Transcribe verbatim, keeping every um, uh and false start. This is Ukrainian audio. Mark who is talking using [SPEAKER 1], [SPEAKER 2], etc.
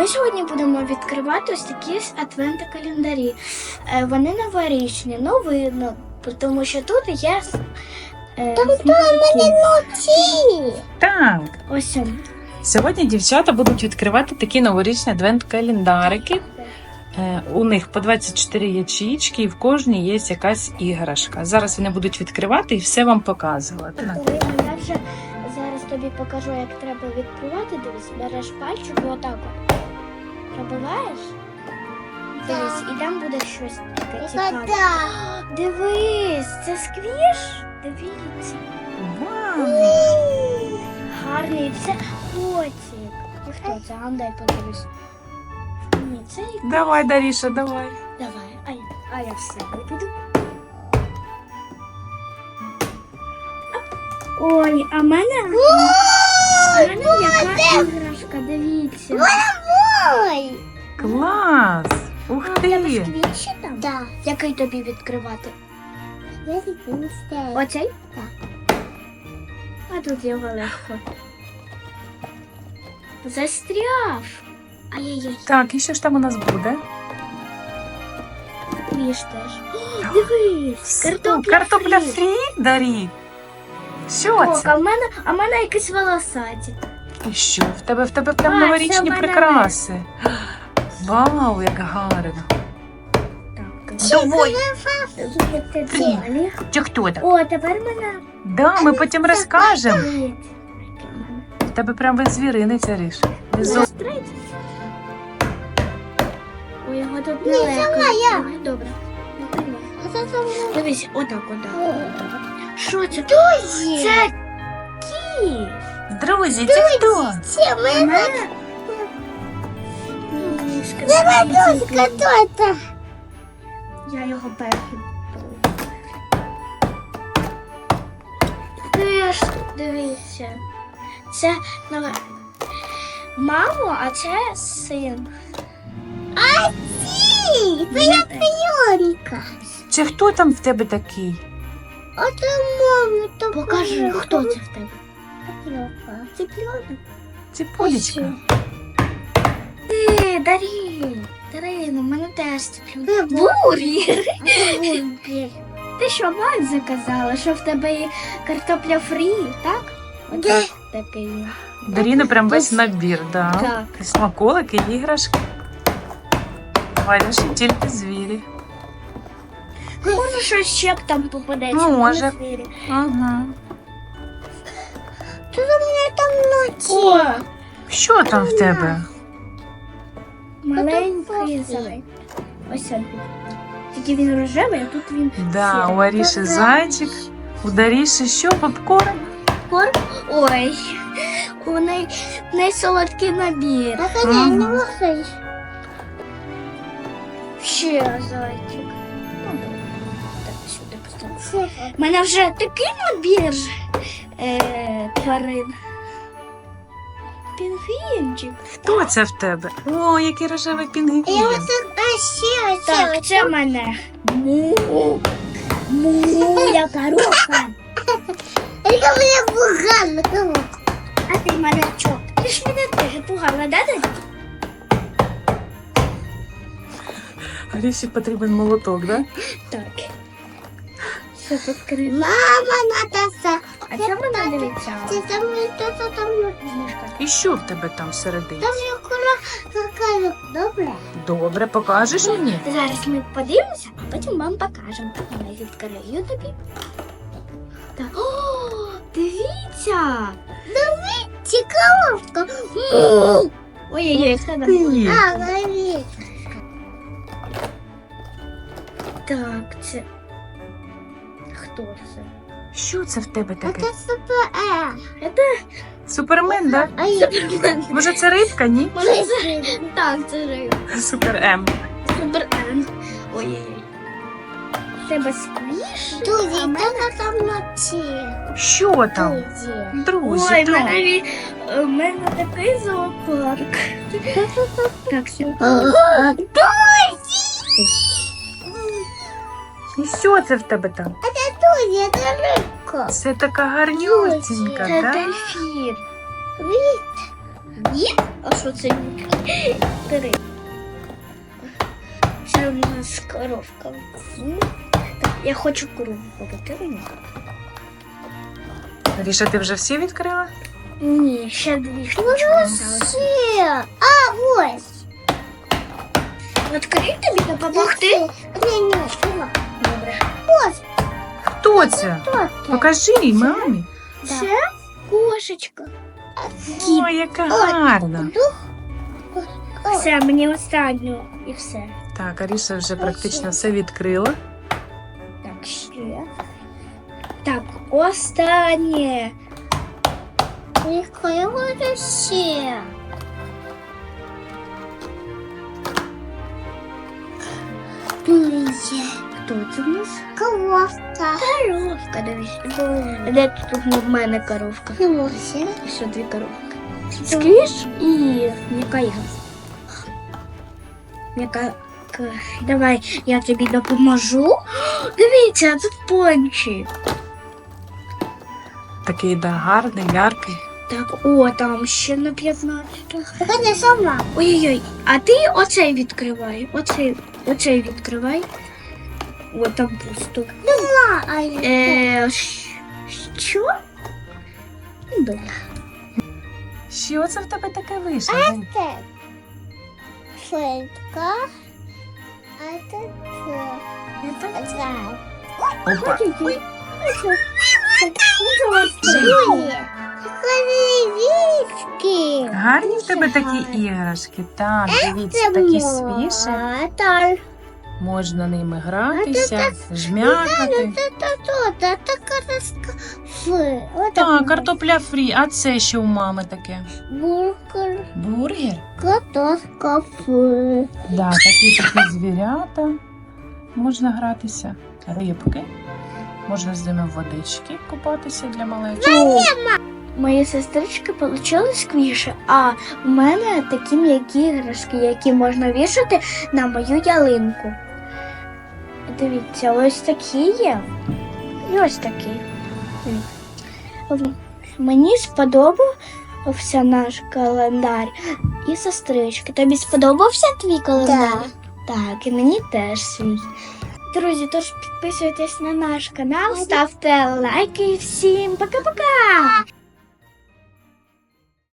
[SPEAKER 1] Ми сьогодні будемо відкривати ось такі адвент-календарі. Е, Вони новорічні, ну видно, тому що тут є е,
[SPEAKER 2] Ночі.
[SPEAKER 3] Так,
[SPEAKER 1] ось он.
[SPEAKER 3] сьогодні дівчата будуть відкривати такі новорічні адвент-календарики. Е, У них по двадцять чотири ячеїчки і в кожній є якась іграшка. Зараз вони будуть відкривати і все вам показувати.
[SPEAKER 1] Я вже зараз тобі покажу, як треба відкривати. Дивись, береш пальчик і отак от пробиваєш. Дивись, і там буде щось таке цікаве. Дивись, це сквіш? Дивіться.
[SPEAKER 3] Вау!
[SPEAKER 1] Гарний, це котик. І хто це? А дай подивись. Ні, це і-
[SPEAKER 3] Давай, Даріша, давай.
[SPEAKER 1] Давай, а я, а я все піду. Ой, а мене, а мене яка іграшка, дивіться.
[SPEAKER 2] Ой.
[SPEAKER 3] Клас! Ух
[SPEAKER 1] А, в тебе
[SPEAKER 3] ти!
[SPEAKER 1] сквіші там?
[SPEAKER 2] Да.
[SPEAKER 1] Який тобі відкривати?
[SPEAKER 2] Я не знаю.
[SPEAKER 1] Оцей?
[SPEAKER 2] Так.
[SPEAKER 1] А тут його легко. Застряв. Ай-яй-яй,
[SPEAKER 3] Так, і що ж там у нас буде?
[SPEAKER 1] сквіш теж. О, дивись, картопля,
[SPEAKER 3] Картопля
[SPEAKER 1] фрі.
[SPEAKER 3] фрі, Дарі? Що
[SPEAKER 1] Так, а
[SPEAKER 3] це?
[SPEAKER 1] в мене, а в мене якісь волосаті.
[SPEAKER 3] І що? В тебе в тебе прям
[SPEAKER 1] А,
[SPEAKER 3] новорічні
[SPEAKER 1] це банани.
[SPEAKER 3] прикраси. Вау, як гарно.
[SPEAKER 1] Так,
[SPEAKER 3] Давай.
[SPEAKER 1] це далі.
[SPEAKER 3] Чи хто так?
[SPEAKER 1] О, тепер мене.
[SPEAKER 3] Да, ми потім розкажемо.
[SPEAKER 1] Привіт.
[SPEAKER 3] В тебе прям весь звіринець, Аріш.
[SPEAKER 1] Застрайте. Ой, його тут
[SPEAKER 2] Ні,
[SPEAKER 1] нелегко.
[SPEAKER 2] сама я.
[SPEAKER 1] Давай, добре. Давай.
[SPEAKER 2] А це там
[SPEAKER 1] Дивись, отак, отак. Що це?
[SPEAKER 2] Друзі.
[SPEAKER 1] Це кіт.
[SPEAKER 3] Друзі, це хто?
[SPEAKER 2] Це
[SPEAKER 1] У
[SPEAKER 2] мене.
[SPEAKER 1] мене мішка.
[SPEAKER 2] Давай, дочка, хто це?
[SPEAKER 1] Я його перший. Теж, дивіться. Це ну, мамо, а це син.
[SPEAKER 2] А ці, твоя пеньонка.
[SPEAKER 3] Чи хто там в тебе такий?
[SPEAKER 2] Оце мама, то
[SPEAKER 1] Покажи, хто це в тебе.
[SPEAKER 2] Патрёка.
[SPEAKER 1] Це пльона.
[SPEAKER 3] Це Полічка.
[SPEAKER 1] Ти, Дарі. Дарина, в мене теж це пльона. Бургер. Ти що, мать заказала, що в тебе є картопля фрі, так?
[SPEAKER 2] Да.
[SPEAKER 1] Такий.
[SPEAKER 3] Даріни прям весь набір, да.
[SPEAKER 1] Так.
[SPEAKER 3] І смаколики, і іграшки. Валяш і тільки звірі.
[SPEAKER 1] Може, щось ще б там попадеться.
[SPEAKER 3] Ну, може.
[SPEAKER 1] на звірі.
[SPEAKER 3] Ага.
[SPEAKER 2] Що у мене там ночі?
[SPEAKER 1] О,
[SPEAKER 3] Що там в тебе?
[SPEAKER 1] маленький зайчик. Ось він. Тільки він рожевий, а тут він
[SPEAKER 3] Да,
[SPEAKER 1] сірий.
[SPEAKER 3] у Аріші зайчик, у Даріші що, попкорн?
[SPEAKER 1] Корм? Ой, у неї в неї солодкий набір.
[SPEAKER 2] А коня
[SPEAKER 3] Ага.
[SPEAKER 2] не можеш.
[SPEAKER 1] Ще зайчик. Ну, добре. Так, сюди поставлю.
[SPEAKER 2] Це
[SPEAKER 1] У мене вже такий набір е, тварин. Пінгвінчик.
[SPEAKER 3] Хто це в тебе? О, який рожевий
[SPEAKER 2] Я
[SPEAKER 3] пінгвін.
[SPEAKER 2] оце, а ще оце.
[SPEAKER 1] Так, це в мене. Му. Му, я коровка.
[SPEAKER 2] Яка мене погана коробка.
[SPEAKER 1] А ти малячок. Ти ж мене теж пугала, да, Дадя?
[SPEAKER 3] Аріші потрібен молоток, да?
[SPEAKER 1] Так. Все відкрито.
[SPEAKER 2] Мама, Натаса.
[SPEAKER 1] А це мене дивиться.
[SPEAKER 2] Це там хто там
[SPEAKER 1] Мішка.
[SPEAKER 3] І що в тебе там всередині?
[SPEAKER 2] Там є кура какая. Добре.
[SPEAKER 3] Добре, покажеш мені?
[SPEAKER 1] Зараз ми подивимося, а потім вам покажемо. Я відкрию тобі. Так. О, дивіться!
[SPEAKER 2] Цікавка.
[SPEAKER 1] Ой-ой-ой, це да.
[SPEAKER 3] Привіт.
[SPEAKER 2] А, навіть.
[SPEAKER 1] Так, це. Хто це?
[SPEAKER 3] Що це в тебе
[SPEAKER 2] Це
[SPEAKER 3] таке?
[SPEAKER 2] супер.
[SPEAKER 1] Це
[SPEAKER 3] Супермен, да?
[SPEAKER 2] А я
[SPEAKER 3] Може це рибка, ні?
[SPEAKER 1] може це. Так, це риба.
[SPEAKER 3] Супер М.
[SPEAKER 1] Супер Н. Ой-ой-ой. Це сквіш?
[SPEAKER 2] Друзі,
[SPEAKER 1] А мене-
[SPEAKER 2] хто там вночі?
[SPEAKER 3] Що там?
[SPEAKER 2] Друзі.
[SPEAKER 3] Друзі,
[SPEAKER 1] Ой, в
[SPEAKER 3] так.
[SPEAKER 1] мене, ві- в мене такий зоопарк. Так, все.
[SPEAKER 3] І що це в тебе там?
[SPEAKER 2] Друзі, це рибка.
[SPEAKER 3] Це така гарнюсінька,
[SPEAKER 1] Це
[SPEAKER 3] так?
[SPEAKER 1] дельфін.
[SPEAKER 2] Від.
[SPEAKER 1] Ні? А що це? Бери. Це у нас коровка. Так, я хочу корову побити.
[SPEAKER 3] Ріша, ти вже всі відкрила?
[SPEAKER 1] Ні, ще дві штучки залишилось.
[SPEAKER 2] Все. А, ось.
[SPEAKER 1] Відкрий тобі допомогти?
[SPEAKER 2] Ні, ні, що?
[SPEAKER 1] Добре.
[SPEAKER 3] Хто це?
[SPEAKER 2] Хто це?
[SPEAKER 3] Покажи мамі.
[SPEAKER 1] Це кошечка.
[SPEAKER 3] Ой, яка гарна.
[SPEAKER 1] Все, мені останню і все.
[SPEAKER 3] Так, Аріша вже практично все відкрила.
[SPEAKER 1] Так, ще. Так, останнє.
[SPEAKER 2] Яка буде ще? Друзі.
[SPEAKER 1] Хто це в нас?
[SPEAKER 2] Коровка.
[SPEAKER 1] Коровка, дивись. Де тут в мене коровка?
[SPEAKER 2] Друзі.
[SPEAKER 1] І що дві коровки. Сквіш і м'яка ігра. М'яка. к- Давай, я тобі допоможу. Дивіться, тут пончик.
[SPEAKER 3] Такий да, гарний, яркий.
[SPEAKER 1] Так, о, там ще на п'ятнадцять.
[SPEAKER 2] Ходи сама.
[SPEAKER 1] Ой-ой-ой, а ти оцей відкривай. Оцей, оцей відкривай. О, там пусто.
[SPEAKER 2] А, а я.
[SPEAKER 1] Е, щ- що? Ну, добре.
[SPEAKER 3] Що це в тебе таке вийшло? Жень?
[SPEAKER 2] Це. Швидка. А це це. Зай.
[SPEAKER 3] Опа.
[SPEAKER 1] Ой-ой-ой.
[SPEAKER 2] Друзі. Вічки.
[SPEAKER 3] Гарні в тебе такі іграшки. Так, дивіться, такі свіжі.
[SPEAKER 2] Так.
[SPEAKER 3] Можна ними гратися, жмякати.
[SPEAKER 2] Та-та-та, така таска. Фи.
[SPEAKER 3] Так, картопля фрі. А це що у мами таке?
[SPEAKER 2] Бургер.
[SPEAKER 3] Бургер?
[SPEAKER 2] Картошка фи.
[SPEAKER 3] Да, такі такі звірята. Можна гратися. Рибки. Можна з ними в водички купатися для малечі.
[SPEAKER 1] Мої сестрички отримали сквіші, а в мене такі м'які іграшки, які можна вішати на мою ялинку. Дивіться, ось такі є. І ось такі. Дивіться. Мені сподобався наш календар і сестрички. Тобі сподобався твій календар? Так, і мені теж свій. Друзі, тож підписуйтесь на наш канал, ставте лайки і всім пока-пока!